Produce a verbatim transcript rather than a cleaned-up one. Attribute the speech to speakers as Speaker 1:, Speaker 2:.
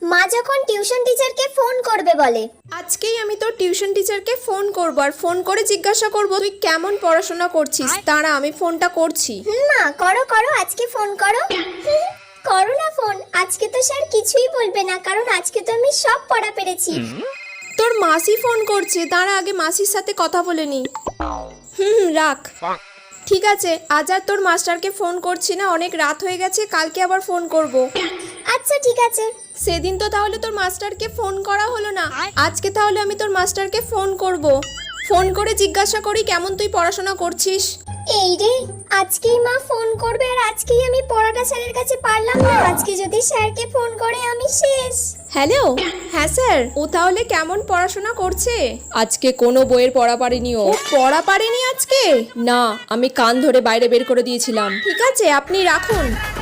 Speaker 1: মা যখন টিউশন টিচারকে ফোন করবে বলে।
Speaker 2: আজকেই আমি তোর টিউশন টিচারকে ফোন করব আর ফোন করে জিজ্ঞাসা করব তুই কেমন পড়াশোনা করছিস। দাঁড়া আমি ফোনটা করছি।
Speaker 1: হুম মা, করো করো, আজকে ফোন করো। হুম, করো না ফোন। আজকে তো স্যার কিছুই বলবে না, কারণ আজকে তো আমি সব পড়া পেরেছি।
Speaker 2: তোর মাসি ফোন করছে, দাঁড়া আগে মাসির সাথে কথা বলে নি। হুম হুম রাখ। ঠিক আছে, আজ আর তোর মাস্টারকে ফোন করছি না, অনেক রাত হয়ে গেছে, কালকে আবার ফোন করব।
Speaker 1: আচ্ছা ঠিক আছে।
Speaker 2: সেদিন তো তাহলে তোর মাস্টারকে ফোন করা হলো না, আজকে তাহলে আমি তোর মাস্টারকে ফোন করব। ফোন করে জিজ্ঞাসা করি কেমন তুই পড়াশোনা করছিস।
Speaker 1: এই রে, আজকেই মা ফোন করবে আর আজকেই আমি পড়াটা স্যারের কাছে পারলাম না। আজকে যদি স্যারকে ফোন করে আমি শেষ।
Speaker 2: হ্যালো, হ্যাঁ স্যার, ও তাহলে কেমন পড়াশোনা করছে? আজকে কোনো বইয়ের পড়া পারেনি। ও পড়া পারেনি আজকে? না, আমি কান ধরে বাইরে বের করে দিয়েছিলাম। ঠিক আছে, আপনি রাখুন।